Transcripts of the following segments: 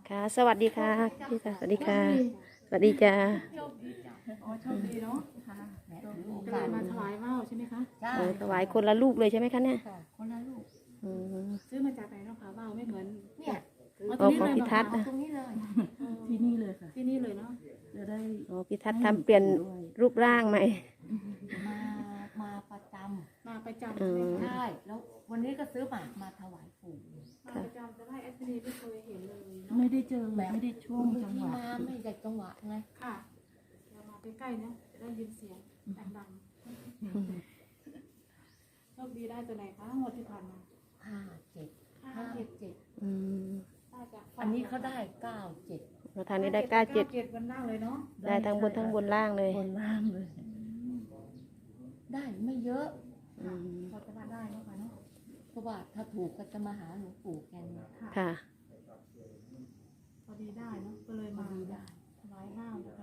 ค่ะสวัสดีค่ะพี่ค่ะสวัสดีค่ะสวัสดีจ้าอ๋อโชคดีเนาะค่ะก็เลยมาถวายว่าวใช่ไหมคะใช่ถวายคนละลูกเลยใช่ไหมคะเนี่ยคนละลูกซื้อมาจากไหนเนาะคะว่าวไม่เหมือนเนี่ยของพิทัศน์นะตรงนี้เลยที่นี่เลยค่ะที่นี่เลยเนาะจะได้พิทัศน์ทำเปลี่ยนรูปร่างใหม่มามาประจมาประจำใช่ไหมำคะใช่แล้ววันนี้ก็ซื้อหมากมาถวายปู่มาประจำแต่ว่าแอดมินไม่เคยเห็นเลยเนาะไม่ได้เจอไม่ได้ช่วงที่จังหวะมาไม่ได้จังหวะไงค่ะเรามาใกล้ๆนะจะได้ยินเสียงดังๆโชคดีได้ตัวไหนคะหมดที่ผ่านมา 57 57 ได้จากอันนี้เขาได้97 มาทางนี้ได้97 97บนล่างเลยเนาะได้ทั้งบนทั้งบนล่างเลยบนล่างเลยได้ไม่เยอะพอจะมาได้เนาะค่ะเนาะเพราะว่าถ้าถูกก็จะมาหาหลวงปู่กันค่ะพอดีได้เนาะก็เลยมาดีได้ถวายว่าวนะคะ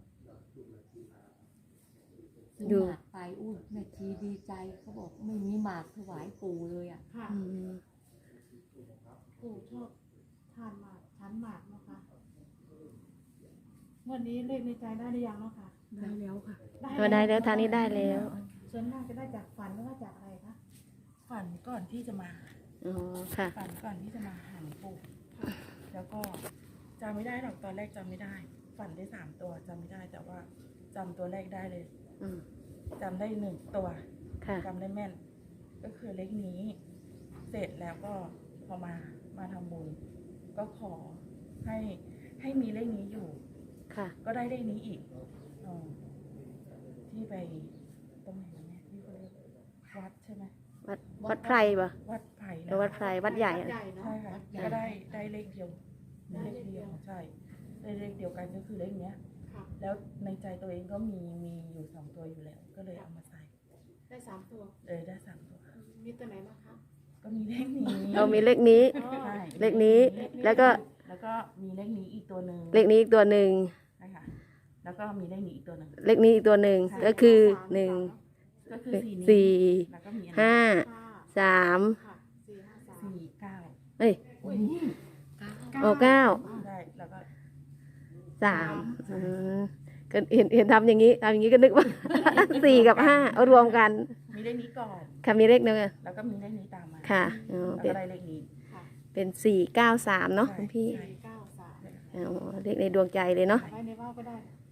ซื้อหมากไปอุ้ยแม่ชีดีใจเขาบอกไม่มีหมากถวายปู่เลยอ่ะค่ะปู่ชอบทานหมากชั้นหมากเนาะค่ะวันนี้เลขในใจได้หรือยังเนาะค่ะได้แล้วค่ะก็ได้แล้วทางนี้ได้แล้วส่วนมากจะได้จากฝันหรือว่าจากอะไรคะฝันก่อนที่จะมาอ๋อค่ะฝันก่อนที่จะมาหาหลวงปู่แล้วก็จำไม่ได้หรอกตอนแรกจำไม่ได้ ฝันได้3 ตัวจำไม่ได้แต่ว่าจำตัวแรกได้เลยจำได้1 ตัวค่ะจำได้แม่น ก็คือเลขนี้ เสร็จแล้วก็พอมาทำบุญก็ขอให้มีเลขนี้อยู่ค่ะก็ได้เลขนี้อีกที่ไปตรงไหนนะเนี่ยที่เขาเรียกวัดใช่ไหมวัดไพรปะวัดไผ่หรือวัดไพรวัดใหญ่อะใหญ่เนาะใช่ค่ะก็ได้เลขเดียวเลขเดียวใช่ได้เลขเดียวกันก็คือเลขเนี้ยค่ะแล้วในใจตัวเองก็มีอยู่2 ตัวอยู่แล้ว ก็เลยเอามาใส่ได้3 ตัวได้3 ตัวมีตัวไหนบ้างคะก็มีเลขนี้เรามีเลขนี้ใช่เลขนี้ แล้วก็มีเลขนี้อีกตัวหนึ่งเลขนี้อีกตัวหนึ่งใช่ค่ะแล้วก็มีเลขนี้อีกตัวหนึ่งเลขนี้อีกตัวหนึ่งก็คือ1 ก็คือ4นี้ 4 แล้วก็มีอันนี้ 5 3 ค่ะ4 5 3 4 9 เอ้ยอุ้ยโอ้9 ได้แล้วก็ 3ก็เห็นทำอย่างนี้ก็นึกว่า 4 กับ 5 เอารวมกันมีเลขนี้ก่อนค่ะมีเลขหนึงแล้วก็มีเลขนี้ตามมาค่ะแล้วก็ได้เลขนี้ค่ะเป็น493เนาะคุณพี่ 4 9 3 เลขในดวงใจเลยเนาะไว้ในว่าวก็ได้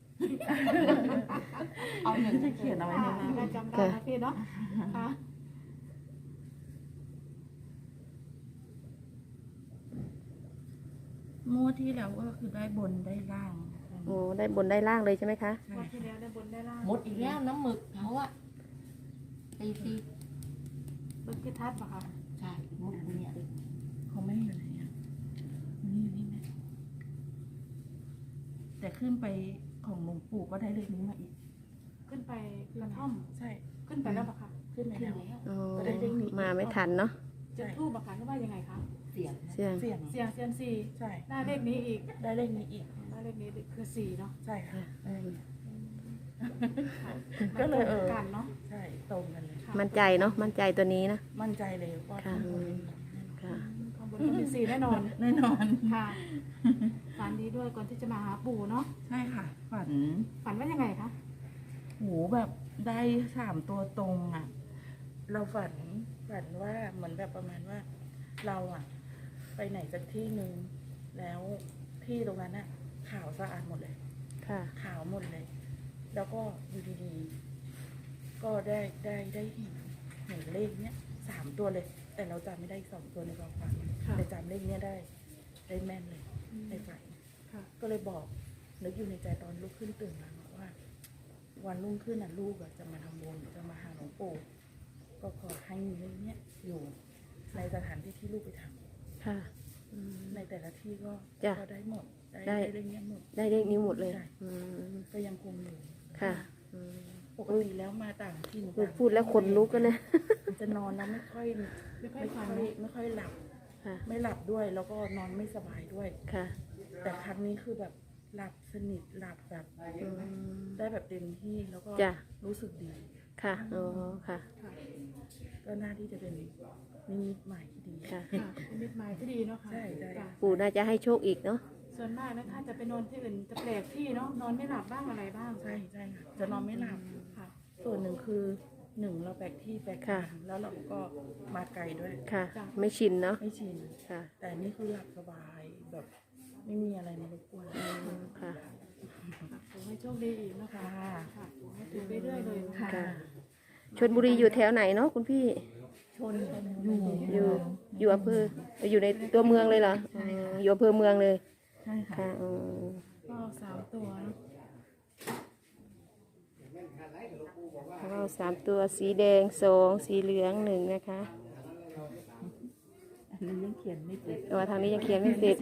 เอาอย่างที่เขียนเอาไว้ในนั้นได้จำได้นะพี่เนาะค่ะงวดที่แล้วก็คือได้บนได้ล่างโอ้ได้บนได้ล่างเลยใช่ไหมคะใช่วันที่แล้วได้บนได้ล่างหมดอีกแล้วน้ำหมึกเขาอะตีรถพิทัศน์ปะคะใช่หมดเนี่ยเขาไม่อยู่ไหนอ่ะนี่ไหมแต่ขึ้นไปของหลวงปู่ก็ได้เลขนี้มาอีกขึ้นไปกระท่อมใช่ขึ้นไปแล้วปะคะขึ้นไปแล้วอ๋อก็ได้เลขนี้มาไม่ทันเนาะจะทูบปะคะหรือว่ายังไงคะเสียงเสียงเสี่ยงเสียงเซียมซีใช่ได้เลขนี้อีกได้เลขนี้อีกได้เลขนี้คือ4เนาะใช่ค่ะก็ก็เลเลย ยกันเนาะใช่ตรงกันเลยมั่นใจเนาะมั่นใจตัวนี้นะมั่นใจเลยว่าค่ะข้างบนค่ะข้างบนก็เป็น4แน่นอนแน่นอนค่ะฝันดีด้วยก่อนที่จะมาหาปู่เนาะใช่ค่ะฝันฝันว่ายังไงคะโหแบบได้3 ตัวตรงอ่ะ เราฝันว่าเหมือนแบบประมาณว่า เราอ่ะ ไปไหนสักที่หนึ่งแล้วที่ตรงนั้นอ่ะขาวสะอาดหมดเลยค่ะขาวหมดเลย แล้วก็อยู่ดีๆ ก็ได้เห็นเลขเนี้ย3 ตัวเลย แต่เราจำไม่ได้อีก2 ตัวในความฝันค่ะแต่จำเลขเนี้ยได้แม่นเลยในฝันค่ะก็เลยบอกนึกอยู่ในใจตอนลุกขึ้นตื่นมาบอกว่า วันรุ่งขึ้นน่ะลูกอะจะมาทำบุญจะมาหาหลวงปู่ก็ขอให้มีเลขเนี้ยอยู่ในสถานที่ที่ลูกไปทำค่ะในแต่ละที่ก็จ้ะก็ได้หมดได้เลขเนี้ยหมดได้เลขนี้หมดเลยใช่ ก็ยังคงอยู่ค่ะปกติแล้วมาต่างที่หนูพูดแล้วขนลุกกันนะจะนอนแล้วไม่ค่อยหลับค่ะไม่หลับด้วย แล้วก็นอนไม่สบายด้วยค่ะแต่ครั้งนี้คือแบบหลับสนิทหลับแบบได้แบบเต็มที่แล้วก็จ้ะรู้สึกดีค่ะอ๋อค่ะก็น่าที่จะเป็นนิมิตใหม่ที่ดีค่ะค่ะเป็นมิตรหมายที่ดีเนาะค่ะใช่ได้จ้ะปู่น่าจะให้โชคอีกเนาะใส่วนมากนะถ้าจะไปนอนที่อื่นจะแปลกที่เนาะนอนไม่หลับบ้างอะไรบ้างใช่ใช่ค่ะจะนอนไม่หลับค่ะส่วนหนึ่งคือหนึ่งเราแปลกที่แปลกทางแล้วเราก็มาไกลด้วยค่ะ ไม่ชินเนาะไม่ชินค่ะแต่นี่คือหลับสบายแบบไม่มีอะไรมารบกวนค่ะขอให้โชคดีอีกนะคะค่ะค่ะขอให้ถูกเรื่อยๆเลยนะคะค่ะ ชลบุรีอยู่แถวไหนเนาะคุณพี่ชนอยู่อยู่อำเภออยู่ในตัวเมืองเลยเหรออ๋ออยู่อำเภอเมืองเลยใช่ค่ะค่ะอืมก็3 ตัวเนอะแล้วก็3 ตัวสีแดง2สีเหลือง1นะคะอันนี้ยังเขียนไม่เสร็จแต่ว่าทางนี้ยังเขียนไม่เสร็จ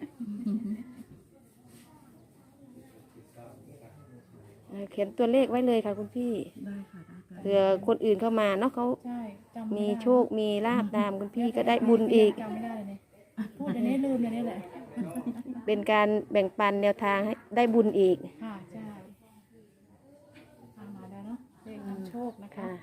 เขียนตัวเลขไว้เลยค่ะคุณพี่ได้ค่ะได้ค่ะเผื่อคนอื่นเข้ามาเนาะเขาใช่จำไมีได้โชคมีลาบตามคุณพี่ก็ได้บุญอีกจำไม่ได้เลยพูดเดี๋ยวนี้ลืมเดี๋ยวนี้แหละเป็นการแบ่งปันแนวทางให้ได้บุญอีกค่ะใช่ทำมาแล้วเนาะเลขนำโชคนะคะค่ะ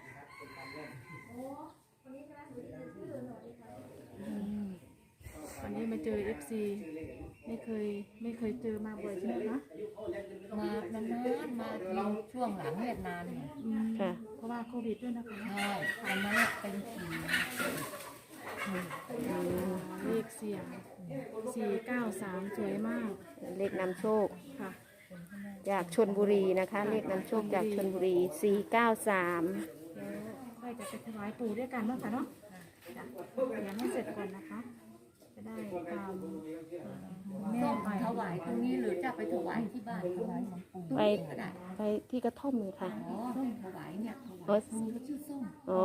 วันนี้มาเจอ FC ไม่เคยเจอมาบ่อยใช่ไหมคะมานานๆมาทีช่วงหลังเนี่ยนานเนี่ยอืมค่ะเพราะว่าโควิดด้วยนะคะใช่ตอนนั้นน่ะเป็นผีเลขเสียง493สวยมากเลขนำโชคค่ะจากชลบุรีนะคะ เลขนำโชคจากชลบุรี 493 แล้วค่อยจะไปถวายปู่ด้วยกันเนาะค่ะเนาะจ้ะเดี๋ยวให้เสร็จก่อนนะคะ จะได้ตามแม่ส้มไปถวายตรงนี้หรือจะไปถวายที่บ้านถวายหลวงปู่ไปก็ได้ไปที่กระท่อมเลยค่ะอ๋อส้มถวายเนี่ยถอ๋อวายตรงนี้ก็ชื่อส้มอ๋อ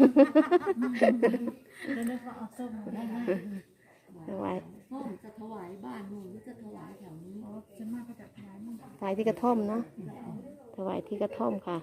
เดี๋ยวนึกว่าเอาส้มมาได้ถวายส้มจะถวายบ้านหนูหรือจะถวายแถวนี้อ๋อส่วนมากก็จะถวายมั่งถวายที่กระท่อมเนาะถวายที่กระท่อมค่ะ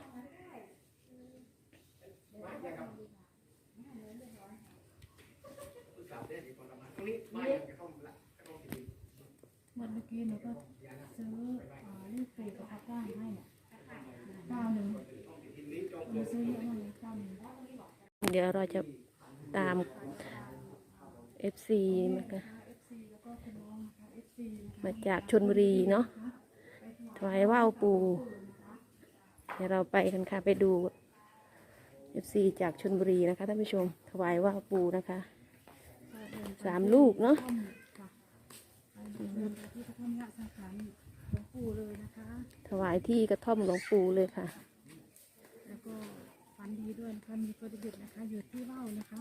วันเมื่อกี้หนูก็ซื้อเลข4กับพับล่างให้เนี่ย91หนูซื้อเยอะมากเลย91 เดี๋ยวเราจะตาม FC มาค่ะ FC แล้วก็คุณน้องนะคะ FC มาจากชลบุรีเนาะถวายว่าวปูเดี๋ยวเราไปกันค่ะไปดู FC จากชลบุรีนะคะท่านผู้ชมถวายว่าวปูนะคะ3 ลูกเนาะค่ะที่กระท่อมยะสังขารหลวงปู่เลยนะคะถวายที่กระท่อมหลวงปู่เลยค่ะแล้วก็ฝันดีด้วยนะคะมีตัวเด็ดๆนะคะอยู่ที่ว่าวนะคะ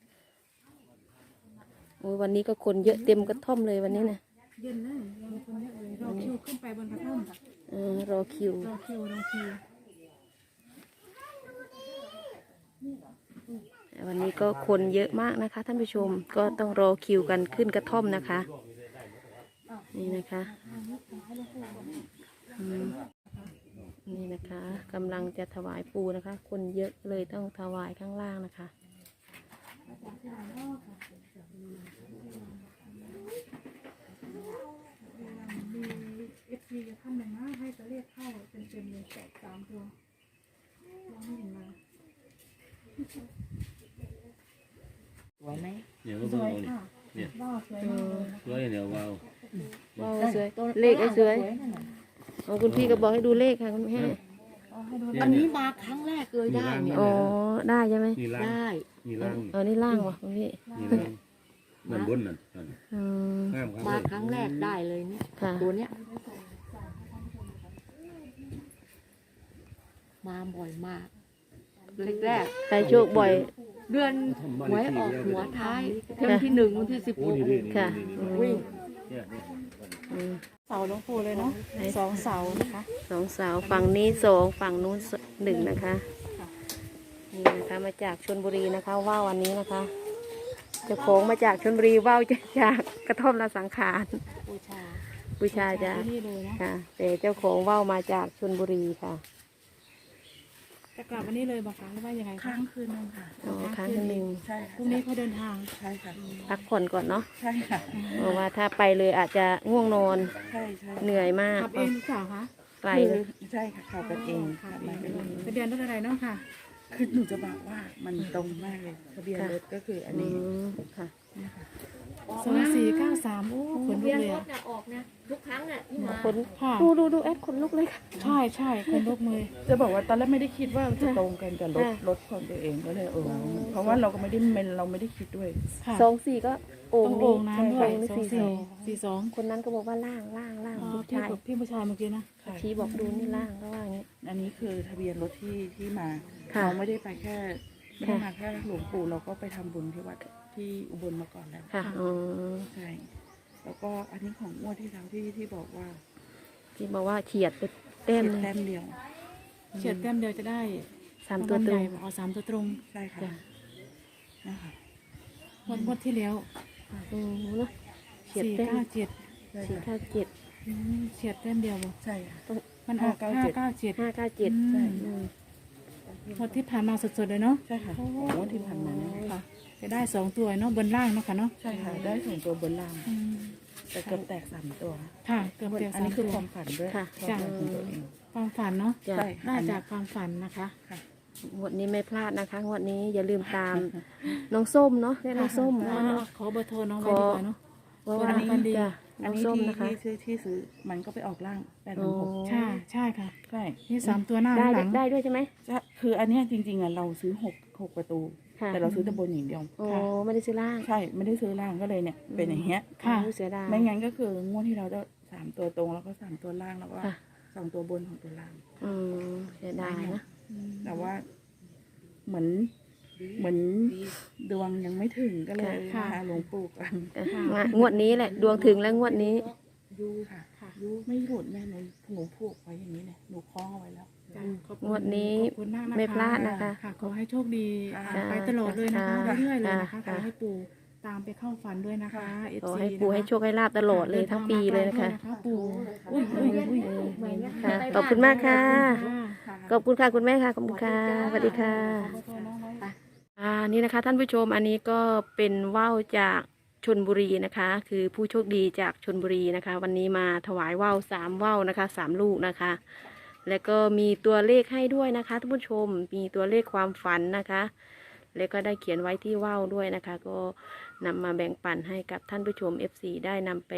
โอ้ยวันนี้ก็คนเยอะเต็มกระท่อมเลยวันนี้นะเย็นเลยยังคนเยอะเลยรอคิวขึ้นไปบนกระท่อมค่ะรอคิวรอคิววันนี้ก็คนเยอะมากนะคะ ท่านผู้ชมก็ต้องรอคิวกันขึ้นกระท่อมนะคะ นี่นะคะอืมนี่นะคะกำลังจะถวายปูนะคะ คนเยอะเลยต้องถวายข้างล่างนะคะมีเอฟซีจะท่านหนึ่งนะให้ตัวเลขเข้าเต็มๆเลย3 ตัวยังไม่เห็นมาสวยไหมเดี๋ยวก็สเบิ่งวยเอานี่ค่ะเนี่ยว่าวสวยมากเลยนะสวยเดี๋ยวว้าวว้าวสวยเลขก็สวยนั่นน่ะอ๋อคุณพี่ก็บอกให้ดูเลขค่ะคุณแม่เอาให้ดูอันนี้มาครั้งแรกเลยได้เนี่ยอ๋อได้ใช่ไหมนี่ล่างได้นี่ล่างเออนี่ล่างวะคุณพี่นี่ล่างนั่นบนนั่นนั่นอืมงามครับมาครั้งแรกได้เลยเนี่ยค่ะตัวเนี้ยมาบ่อยมากแรกใครโชคบ่อยๆเดือนหวยออกหัวท้ายเดือนที่1วันที่โอ้นี่ดิค่ะวิ่งเนี่ยเนี่ยเสาหลวงปู่เลยเนาะ2 เสานะคะ 2 เสาฝั่งนี้2ฝั่งนู้น1นะคะนี่นะคะมาจากชลบุรีนะคะว่าววันนี้นะคะเจ้าของมาจากชลบุรีว่าวจากกระท่อมละสังขารบูชาบูชาจากที่นี่เลยนะค่ะแต่เจ้าของว่าวมาจากชลบุรีค่ะจะกลับวันนี้เลยบอกคะหรือว่ายังไงค้าคะงคืนนึงค่ะอ๋อครั้งหนึ่งใช่พค่ะรุ่งนี้เขาเดินทางใช่ค่ะพักผ่อนก่อนเนาะใช่ค่ะเพราะว่าถ้าไปเลยอาจจะง่วงนอนใช่ใช่เหนื่อยมากขับเองหรือเปล่าคะไกลเลยใช่ค่ะขับกันเองขัขับบ เอมาง กันเองทะเบียนรถอะไรเนาะค่ะคือหนูจะบอกว่ามันตรงมากเลยทะเบียนรถก็คืออันอืนี้มค่ะนะคะ 2493โอ้ขนลุเวีกยนเลยรอะถน่ะออกนะทุกครั้งน่ะที่มาคนค่ะดูแอดขนลุกเลยค่ะใช่ใช่ขนลุกมือจะบอกว่าตอนแรกไม่ได้คิดว่าจะตรงกันกับรถค่ะรถของตัวเองก็เลยเพราะว่าเราก็ไม่ได้เราไม่ได้คิดด้วยค่ะ 24ก็โอ่ต้อง งนี้โอ่งน้ำด้วยโอ่งนี่ 2442 คนนั้นก็บอกว่าล่างอ๋อผู้พี่ชายกับพี่ผู้ชายเมื่อกี้นะค่ะชี้บอกดูนี่ล่างก็ว่าอย่างนี้อันนี้คือทะเบียนรถที่มาค่ะเราไม่ได้ไปแค่ไม่ได้ค่ะมาแค่หลวงปู่เราก็ไปทำบุญที่วัดที่อุบลมาก่อนแล้วค่ะอ๋อใช่แล้วก็อันนี้ของงวดที่แล้วที่บอกว่าที่บอกว่าเฉียดไปเต้มเจ็ดหนึงแต้มเดียวเฉียดแต้มเดียวจะได้ 3 ตัวตรงอ๋อ3 ตัวตรงใช่ค่ะนะคะงวดที่แล้วเนาะเฉียดแต้ม 497 ใช่ ค่ะ 497 เฉียดแต้มเดียวบ่ใช่ค่ะมันออก 597 597 597 ใช่อืมงวดที่ผ่านมาสดๆเลยเนาะใช่ค่ะของงวดที่ผ่านมาเนี่ยค่ะจะได้2 ตัวเนาะบนล่างเนาะค่ะเนาะใช่ค่ะได้ส่งตัวบนล่างอืมแต่เกือบแตก3 ตัวค่ะเกือบเตียวอัน 3 นี้คือตัวความฝันด้วยค่ะความฝันของตัวเองความฝันเนาะจ้ะใช่ได้จากความฝันนะคะงวดนี้ไม่พลาดนะคะงวดนี้อย่าลืมตามน้องส้มเนาะเรียกน้องส้มขอเนาะขอเบอร์โทรน้องไว้ดีกว่าเนาะเพราะว่าอันนี้จ้ะอัน้นองนี้ส้มที่นะคะที่ซื้อมันก็ไปออกล่าง816 ใช่ใช่ค่ะใช่นี่3 ตัวหน้าได้หลังได้ด้วยใช่ไหมคืออันเนี้ยจริงๆอ่ะเราซื้อ6ประตูค่ะแต่เราซื้อแต่บนอย่างเดียวโอ้ไม่ได้ซื้อล่างใช่ไม่ได้ซื้อล่างก็เลยเนี่ยเป็นอย่างเงี้ยค่ะโอ้เสียดายไม่งั้นก็คืองวดที่เราจะ3 ตัวตรงแล้วก็3 ตัวล่างแล้วก็ค่ะ 2 ตัวบนของตัวล่างเสียดายนะแต่ว่าเหมือนดวงยังไม่ถึงก็เลยค่ะหาหลวงปู่กันงวดนี้แหละดวงถึงแล้วงวดนี้ค่ะยูไม่หลุดแม่หนูผูกไว้อย่างนี้เลยหนูคล้องเอาไว้แล้วขอบคุณงวดนี้ขอบคุณมากนะคะไม่พลาดนะคะค่ะขอให้โชคดีค่ะไปตลอดเลยนะคะค่ะเรื่อยๆเลยนะคะขค่ะอให้ปู่ตามไปเข้าฝันด้วยนะคะขอ FC ให้ปู่ให้โชคให้ลาบตลอดเลยทั้งปีเลยนะคะปู่อุ้ยค่ะขอบคุณมากค่ะค่ะขอบคุณค่ะคุณแม่ค่ะขอบคุณค่ะสวัสดีค่ะขอบคุณน้องไว้นี่นะคะท่านผู้ชมอันนี้ก็เป็นว่าวจากชลบุรีนะคะ คือผู้โชคดีจากชลบุรีนะคะ วันนี้มาถวายว่าว3ว่าวนะคะ3 ลูกนะคะ แล้วก็มีตัวเลขให้ด้วยนะคะท่านผู้ชมมีตัวเลขความฝันนะคะ แล้วก็ได้เขียนไว้ที่ว่าวด้วยนะคะ ก็นำมาแบ่งปันให้กับท่านผู้ชม FC ได้นำไป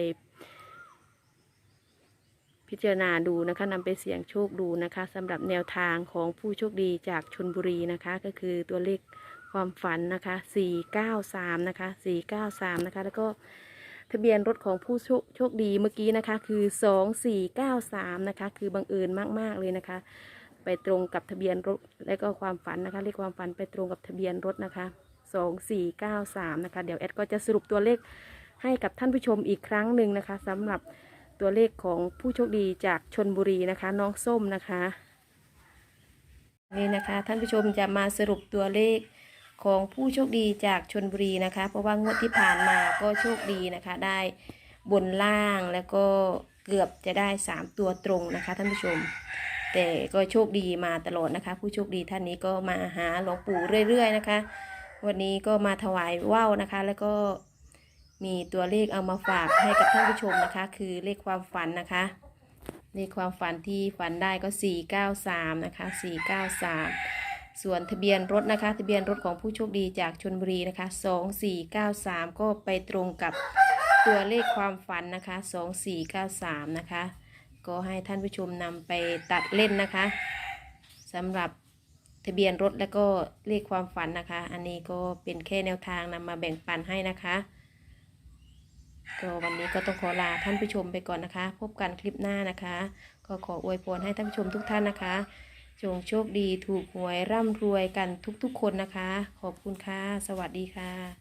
พิจารณาดูนะคะนำไปเสี่ยงโชคดูนะคะสำหรับแนวทางของผู้โชคดีจากชลบุรีนะคะ ก็คือตัวเลขความฝันนะคะ493นะคะ493นะคะแล้วก็ทะเบียนรถของผู้โชคดีเมื่อกี้นะคะคือ2493นะคะคือบังเอิญมากๆเลยนะคะ ไปตรงกับทะเบียนรถและก็ความฝันนะคะเลขความฝันไปตรงกับทะเบียนรถนะคะ2493นะคะเดี๋ยวแอดก็จะสรุปตัวเลขให้กับท่านผู้ชมอีกครั้งหนึ่งนะคะสำหรับตัวเลขของผู้โชคดีจากชลบุรีนะคะน้องส้มนะคะนี่นะคะท่านผู้ชมจะมาสรุปตัวเลขของผู้โชคดีจากชลบุรีนะคะเพราะว่างวดที่ผ่านมาก็โชคดีนะคะได้บนล่างแล้วก็เกือบจะได้3 ตัวตรงนะคะท่านผู้ชม แต่ก็โชคดีมาตลอดนะคะ ผู้โชคดีท่านนี้ก็มาหาหลวงปู่เรื่อยๆนะคะ วันนี้ก็มาถวายว่าวนะคะ แล้วก็มีตัวเลขเอามาฝากให้กับท่านผู้ชมนะคะ คือเลขความฝันนะคะเลขความฝันที่ฝันได้ก็493นะคะ493ส่วนทะเบียนรถนะคะทะเบียนรถของผู้โชคดีจากชลบุรีนะคะ2493ก็ไปตรงกับตัวเลขความฝันนะคะ2493นะคะก็ให้ท่านผู้ชมนำไปตัดเล่นนะคะสำหรับทะเบียนรถและก็เลขความฝันนะคะอันนี้ก็เป็นแค่แนวทางนำมาแบ่งปันให้นะคะก็วันนี้ก็ต้องขอลาท่านผู้ชมไปก่อนนะคะ พบกันคลิปหน้านะคะก็ขออวยพรให้ท่านผู้ชมทุกท่านนะคะจงโชคดีถูกหวยร่ำรวยกันทุกๆคนนะคะขอบคุณค่ะสวัสดีค่ะ